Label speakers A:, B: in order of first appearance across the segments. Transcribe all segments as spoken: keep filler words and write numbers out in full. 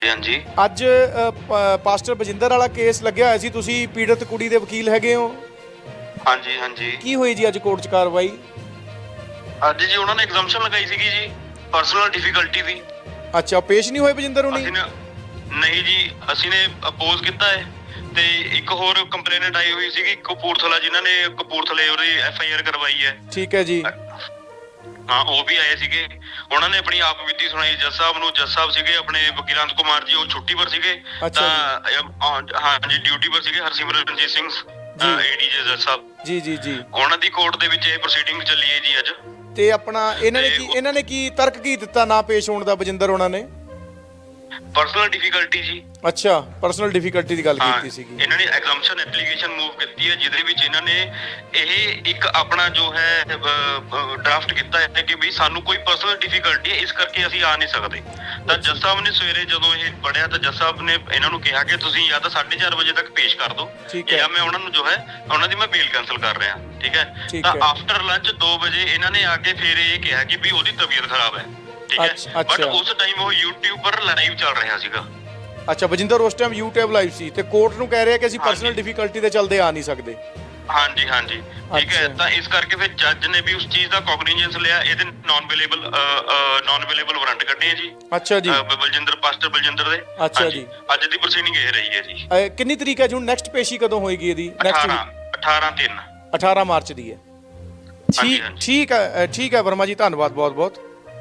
A: हाँ जी।
B: ਅੱਜ ਅ, ਪ- ਪਾਸਟਰ ਬਜਿੰਦਰ ਵਾਲਾ ਕੇਸ ਲੱਗਿਆ ਹੋਇਆ ਸੀ, ਤੁਸੀਂ ਪੀੜਤ ਕੁੜੀ ਦੇ ਵਕੀਲ ਹੈਗੇ ਹੋ।
A: हाँ जी हाँ जी।
B: ਕੀ ਹੋਈ ਜੀ ਅੱਜ ਕੋਰਟ 'ਚ ਕਾਰਵਾਈ?
A: ਅੱਜ ਜੀ ਉਹਨਾਂ ਨੇ ਐਗਜ਼ੈਂਪਸ਼ਨ ਲਗਾਈ ਸੀਗੀ ਜੀ, ਪਰਸਨਲ ਡਿਫਿਕਲਟੀ ਦੀ।
B: ਅੱਛਾ, ਪੇਸ਼ ਨਹੀਂ ਹੋਏ ਬਜਿੰਦਰ ਹੁਣੀ?
A: ਅਸੀਂ ਨੇ ਨਹੀਂ ਜੀ, ਅਸੀਂ ਨੇ ਅਪੋਜ਼ ਕੀਤਾ ਹੈ ਤੇ ਇੱਕ ਹੋਰ ਕੰਪਲੇਨਟ ਆਈ ਹੋਈ ਸੀਗੀ ਕਪੂਰਥਲਾ, ਜਿਨ੍ਹਾਂ ਨੇ ਕਪੂਰਥਲੇ ਉਹਦੀ ਐਫ ਆਈ ਆਰ ਕਰਵਾਈ ਹੈ।
B: ਠੀਕ ਹੈ ਜੀ।
A: ਹਾਂ, ਉਹ ਵੀ ਆਏ ਸੀਗੇ। ਉਹਨਾਂ ਨੇ ਆਪਣੀ ਆਪ ਬੀਤੀ ਸੁਣਾਈ ਜੱਜ ਸਾਹਿਬ ਨੂੰ। ਜੱਜ ਸਾਹਿਬ ਸੀਗੇ ਆਪਣੇ ਵਕੀਲਾਂਤ ਕੁਮਾਰ ਜੀ, ਉਹ ਛੁੱਟੀ ਪਰ ਸੀਗੇ।
B: ਅੱਛਾ
A: ਤਾਂ ਹਾਂ ਜੀ, ਡਿਊਟੀ ਪਰ ਸੀਗੇ ਹਰਸਿਮਰਨਜੀਤ ਸਿੰਘ ਏਡੀਜੇ ਜੱਜ ਸਾਹਿਬ
B: ਜੀ ਜੀ ਜੀ।
A: ਉਹਨਾਂ ਦੀ ਕੋਰਟ ਦੇ ਵਿੱਚ ਇਹ ਪ੍ਰੋਸੀਡਿੰਗ ਚੱਲੀ ਹੈ ਜੀ ਅੱਜ।
B: ਤੇ ਆਪਣਾ ਇਹਨਾਂ ਨੇ ਕੀ ਇਹਨਾਂ ਨੇ ਕੀ ਤਰਕ ਕੀ ਦਿੱਤਾ ਨਾ ਪੇਸ਼ ਹੋਣ ਦਾ ਬਜਿੰਦਰ ਉਹਨਾਂ ਨੇ?
A: ਪਰਸਨਲ ਡਿਫਿਕਲਟੀ ਜੀ।
B: ਅੱਛਾ, ਪਰਸਨਲ ਡਿਫਿਕਲਟੀ ਦੀ ਗੱਲ
A: ਹਾਂ,
B: ਕੀਤੀ ਸੀਗੀ।
A: ਇਹਨਾਂ ਨੇ ਐਗਜ਼ੈਂਪਸ਼ਨ ਐਪਲੀਕੇਸ਼ਨ ਮੂਵ ਕੀਤੀ ਹੈ, ਜਿਹਦੇ ਵਿੱਚ ਇਹਨਾਂ ਨੇ ਇਹ ਇੱਕ ਆਪਣਾ ਜੋ ਹੈ ਡਰਾਫਟ ਕੀਤਾ ਹੈ ਕਿ ਵੀ ਸਾਨੂੰ ਕੋਈ ਪਰਸਨਲ ਡਿਫਿਕਲਟੀ ਹੈ, ਇਸ ਕਰਕੇ ਅਸੀਂ ਆ ਨਹੀਂ ਸਕਦੇ। ਤਾਂ ਜੱਜ ਸਾਹਿਬ ਨੇ ਸਵੇਰੇ ਜਦੋਂ ਇਹ ਪੜਿਆ ਤਾਂ ਜੱਜ ਸਾਹਿਬ ਨੇ ਇਹਨਾਂ ਨੂੰ ਕਿਹਾ ਕਿ ਤੁਸੀਂ ਜਾਂ ਤਾਂ ਸਾਢੇ ਚਾਰ ਵਜੇ ਤੱਕ ਪੇਸ਼ ਕਰ ਦਿਓ, ਜਾਂ ਮੈਂ ਉਹਨਾਂ ਨੂੰ ਜੋ ਹੈ ਉਹਨਾਂ ਦੀ ਮੈਂ ਬੇਲ ਕੈਂਸਲ ਕਰ ਰਿਹਾ। ਠੀਕ ਹੈ। ਤਾਂ ਆਫਟਰ ਲੰਚ ਦੋ ਵਜੇ ਇਹਨਾਂ ਨੇ ਆ ਕੇ ਫਿਰ ਇਹ ਕਿਹਾ ਕਿ ਵੀ ਉਹਦੀ ਤਬੀਅਤ ਖਰਾਬ ਹੈ। ਠੀਕ ਹੈ। ਬਟ ਉਸ ਟਾਈਮ ਉਹ YouTube ਪਰ ਲਾਈਵ ਚੱਲ ਰਿਹਾ ਸੀਗਾ।
B: ਅੱਛਾ, ਬਜਿੰਦਰ ਉਸ ਟਾਈਮ YouTube ਲਾਈਵ ਸੀ ਤੇ ਕੋਰਟ ਨੂੰ ਕਹਿ ਰਿਹਾ ਕਿ ਅਸੀਂ ਪਰਸਨਲ ਡਿਫਿਕਲਟੀ ਦੇ ਚੱਲਦੇ ਆ ਨਹੀਂ ਸਕਦੇ।
A: ਹਾਂਜੀ ਹਾਂਜੀ, ਠੀਕ ਹੈ। ਤਾਂ ਇਸ ਕਰਕੇ ਫਿਰ ਜੱਜ ਨੇ ਵੀ ਉਸ ਚੀਜ਼ ਦਾ ਕੋਗਨੀਜੈਂਸ ਲਿਆ, ਇਹਦੇ non available non available warrant ਕੱਢੇ ਆ ਜੀ।
B: ਅੱਛਾ ਜੀ।
A: ਬਲਜਿੰਦਰ ਪਾਸਟਰ ਬਲਜਿੰਦਰ ਦੇ।
B: ਅੱਛਾ ਜੀ।
A: ਅੱਜ ਦੀ ਪ੍ਰੋਸੀਡਿੰਗ ਇਹ ਰਹੀ ਹੈ ਜੀ।
B: ਅਹ ਕਿੰਨੀ ਤਰੀਕ ਹੈ ਜੀ? ਹੁਣ ਨੈਕਸਟ ਪੇਸ਼ੀ ਕਦੋਂ ਹੋਏਗੀ ਇਹਦੀ? ਨੈਕਸਟ
A: ਅਠਾਰਾਂ ਤਿੰਨ
B: ਅਠਾਰਾਂ ਮਾਰਚ ਦੀ ਹੈ। ਠੀਕ ਠੀਕ ਹੈ ਠੀਕ ਹੈ ਵਰਮਾ ਜੀ, ਧੰਨਵਾਦ ਬਹੁਤ ਬਹੁਤ।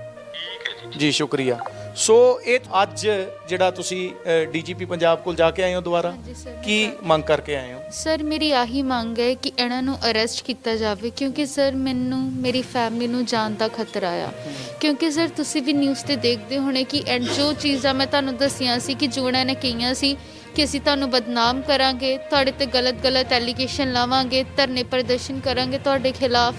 A: ਠੀਕ ਹੈ ਜੀ
B: ਜੀ ਸ਼ੁਕਰੀਆ। ਸੋ ਇਹ ਅੱਜ ਜਿਹੜਾ ਤੁਸੀਂ ਡੀਜੀਪੀ ਪੰਜਾਬ ਕੋਲ ਜਾ ਕੇ ਆਏ ਹੋ ਦੁਬਾਰਾ, ਕੀ ਮੰਗ ਕਰਕੇ ਆਏ ਹੋ?
C: ਸਰ ਮੇਰੀ ਆਹੀ ਮੰਗ ਹੈ ਕਿ ਇਹਨਾਂ ਨੂੰ ਅਰੈਸਟ ਕੀਤਾ ਜਾਵੇ, ਕਿਉਂਕਿ ਸਰ ਮੈਨੂੰ ਮੇਰੀ ਫੈਮਿਲੀ ਨੂੰ ਜਾਨ ਦਾ ਖਤਰਾ ਆ। ਕਿਉਂਕਿ ਸਰ ਤੁਸੀਂ ਵੀ ਨਿਊਜ਼ ਤੇ ਦੇਖਦੇ ਹੋਣੇ ਕਿ ਐਂਡ ਜੋ ਚੀਜ਼ਾਂ ਮੈਂ ਤੁਹਾਨੂੰ ਦੱਸੀਆਂ ਸੀ ਕਿ ਜੋ ਇਹਨਾਂ ਨੇ ਕਹੀਆਂ ਸੀ ਕਿ ਅਸੀਂ ਤੁਹਾਨੂੰ ਬਦਨਾਮ ਕਰਾਂਗੇ, ਤੁਹਾਡੇ ਤੇ ਗਲਤ ਗਲਤ ਐਲੀਗੇਸ਼ਨ ਲਾਵਾਂਗੇ, ਧਰਨੇ ਪ੍ਰਦਰਸ਼ਨ ਕਰਾਂਗੇ ਤੁਹਾਡੇ ਖਿਲਾਫ,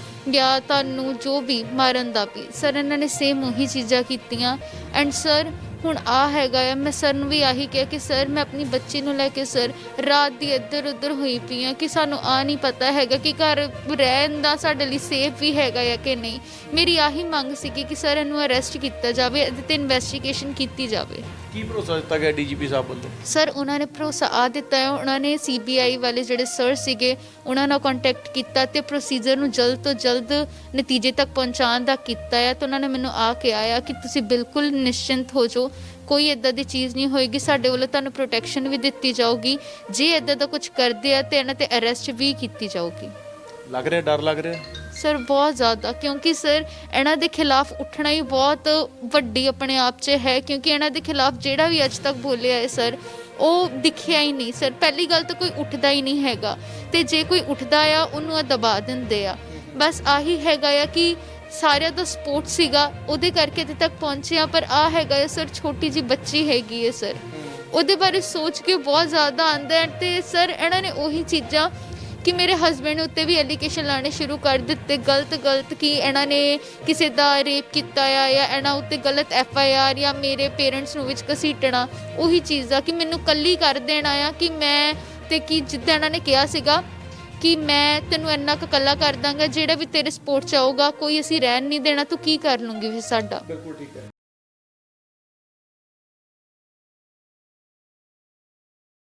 C: ਜਾਂ ਤੁਹਾਨੂੰ ਜੋ ਵੀ ਮਾਰਨ ਦਾ ਵੀ, ਸਰ ਇਹਨਾਂ ਨੇ ਸੇਮ ਉਹੀ ਚੀਜ਼ਾਂ ਕੀਤੀਆਂ। ਐਂਡ ਸਰ ਹੁਣ ਆ ਹੈਗਾ ਆ, ਮੈਂ ਸਰ ਨੂੰ ਵੀ ਆਹੀ ਕਿਹਾ ਕਿ ਸਰ ਮੈਂ ਆਪਣੀ ਬੱਚੀ ਨੂੰ ਲੈ ਕੇ ਸਰ ਰਾਤ ਦੀ ਇੱਧਰ ਉੱਧਰ ਹੋਈ ਪਈ ਹਾਂ ਕਿ ਸਾਨੂੰ ਆ ਨਹੀਂ ਪਤਾ ਹੈਗਾ ਕਿ ਘਰ ਰਹਿਣ ਦਾ ਸਾਡੇ ਲਈ ਸੇਫ ਵੀ ਹੈਗਾ ਆ ਕਿ ਨਹੀਂ। ਮੇਰੀ ਆਹੀ ਮੰਗ ਸੀਗੀ ਕਿ ਸਰ ਇਹਨੂੰ ਅਰੈਸਟ ਕੀਤਾ ਜਾਵੇ, ਇਹਦੇ 'ਤੇ ਇਨਵੈਸਟੀਗੇਸ਼ਨ ਕੀਤੀ ਜਾਵੇ।
B: ਕੀ ਭਰੋਸਾ ਦਿੱਤਾ ਗਿਆ ਡੀਜੀਪੀ ਸਾਹਿਬ ਵੱਲੋਂ?
C: ਸਰ ਉਹਨਾਂ ਨੇ ਭਰੋਸਾ ਆ ਦਿੱਤਾ ਹੈ, ਉਹਨਾਂ ਨੇ ਸੀ ਬੀ ਆਈ ਵਾਲੇ ਜਿਹੜੇ ਸਰ ਸੀਗੇ ਉਹਨਾਂ ਨਾਲ ਕੰਟੈਕਟ ਕੀਤਾ ਅਤੇ ਪ੍ਰੋਸੀਜਰ ਨੂੰ ਜਲਦ ਤੋਂ ਜਲਦ ਨਤੀਜੇ ਤੱਕ ਪਹੁੰਚਾਉਣ ਦਾ ਕੀਤਾ ਹੈ। ਤਾਂ ਉਹਨਾਂ ਨੇ ਮੈਨੂੰ ਆ ਕੇ ਆਇਆ ਕਿ ਤੁਸੀਂ ਬਿਲਕੁਲ ਨਿਸ਼ਚਿੰਤ ਹੋ ਜਾਓ, ਕੋਈ ਇੱਦਾਂ ਦੀ ਚੀਜ਼ ਨਹੀਂ ਹੋਏਗੀ, ਸਾਡੇ ਵੱਲੋਂ ਤੁਹਾਨੂੰ ਪ੍ਰੋਟੈਕਸ਼ਨ ਵੀ ਦਿੱਤੀ ਜਾਊਗੀ, ਜੇ ਇੱਦਾਂ ਦਾ ਕੁਝ ਕਰਦੇ ਆ ਤਾਂ ਇਹਨਾਂ 'ਤੇ ਅਰੈਸਟ ਵੀ ਕੀਤੀ ਜਾਊਗੀ।
B: ਲੱਗ ਰਿਹਾ ਡਰ ਲੱਗ ਰਿਹਾ
C: ਸਰ ਬਹੁਤ ਜ਼ਿਆਦਾ, ਕਿਉਂਕਿ ਸਰ ਇਹਨਾਂ ਦੇ ਖਿਲਾਫ ਉੱਠਣਾ ਹੀ ਬਹੁਤ ਵੱਡੀ ਆਪਣੇ ਆਪ 'ਚ ਹੈ, ਕਿਉਂਕਿ ਇਹਨਾਂ ਦੇ ਖਿਲਾਫ ਜਿਹੜਾ ਵੀ ਅੱਜ ਤੱਕ ਬੋਲਿਆ ਹੈ ਸਰ ਉਹ ਦਿਖਿਆ ਹੀ ਨਹੀਂ। ਸਰ ਪਹਿਲੀ ਗੱਲ ਤਾਂ ਕੋਈ ਉੱਠਦਾ ਹੀ ਨਹੀਂ ਹੈਗਾ, ਅਤੇ ਜੇ ਕੋਈ ਉੱਠਦਾ ਆ ਉਹਨੂੰ ਆ ਦਬਾ ਦਿੰਦੇ ਆ। ਬਸ ਆਹੀ ਹੈਗਾ ਆ ਕਿ ਸਾਰਿਆਂ ਦਾ ਸਪੋਰਟ ਸੀਗਾ, ਉਹਦੇ ਕਰਕੇ ਇੱਥੇ ਤੱਕ ਪਹੁੰਚੇ ਆ। ਪਰ ਆ ਹੈਗਾ ਸਰ ਛੋਟੀ ਜਿਹੀ ਬੱਚੀ ਹੈਗੀ ਹੈ ਸਰ, ਉਹਦੇ ਬਾਰੇ ਸੋਚ ਕੇ ਬਹੁਤ ਜ਼ਿਆਦਾ ਆਉਂਦਾ ਹੈ। ਅਤੇ ਸਰ ਇਹਨਾਂ ਨੇ ਉਹੀ ਚੀਜ਼ਾਂ ਕਿ ਮੇਰੇ ਹਸਬੈਂਡ ਉੱਤੇ ਵੀ ਐਲੀਗੇਸ਼ਨ ਲਾਉਣੇ ਸ਼ੁਰੂ ਕਰ ਦਿੱਤੇ ਗਲਤ ਗਲਤ, ਕਿ ਇਹਨਾਂ ਨੇ ਕਿਸੇ ਦਾ ਰੇਪ ਕੀਤਾ ਆ ਜਾਂ ਇਹਨਾਂ ਉੱਤੇ ਗਲਤ ਐਫ ਆਈ ਆਰ, ਜਾਂ ਮੇਰੇ ਪੇਰੈਂਟਸ ਨੂੰ ਵਿੱਚ ਘਸੀਟਣਾ। ਉਹੀ ਚੀਜ਼ ਆ ਕਿ ਮੈਨੂੰ ਇਕੱਲੀ ਕਰ ਦੇਣਾ ਆ ਕਿ ਮੈਂ, ਅਤੇ ਕਿ ਜਿੱਦਾਂ ਇਹਨਾਂ ਨੇ ਕਿਹਾ ਸੀਗਾ ਕਿ ਮੈਂ ਤੈਨੂੰ ਇੰਨਾ ਕੁ ਇਕੱਲਾ ਕਰ ਦਾਂਗਾ, ਜਿਹੜਾ ਵੀ ਤੇਰੇ ਸਪੋਰਟ 'ਚ ਆਊਗਾ ਕੋਈ ਅਸੀਂ ਰਹਿਣ ਨਹੀਂ ਦੇਣਾ, ਤੂੰ ਕੀ ਕਰ ਲੂੰਗੀ ਫਿਰ ਸਾਡਾ।
B: ਬਿਲਕੁਲ ਠੀਕ ਹੈ।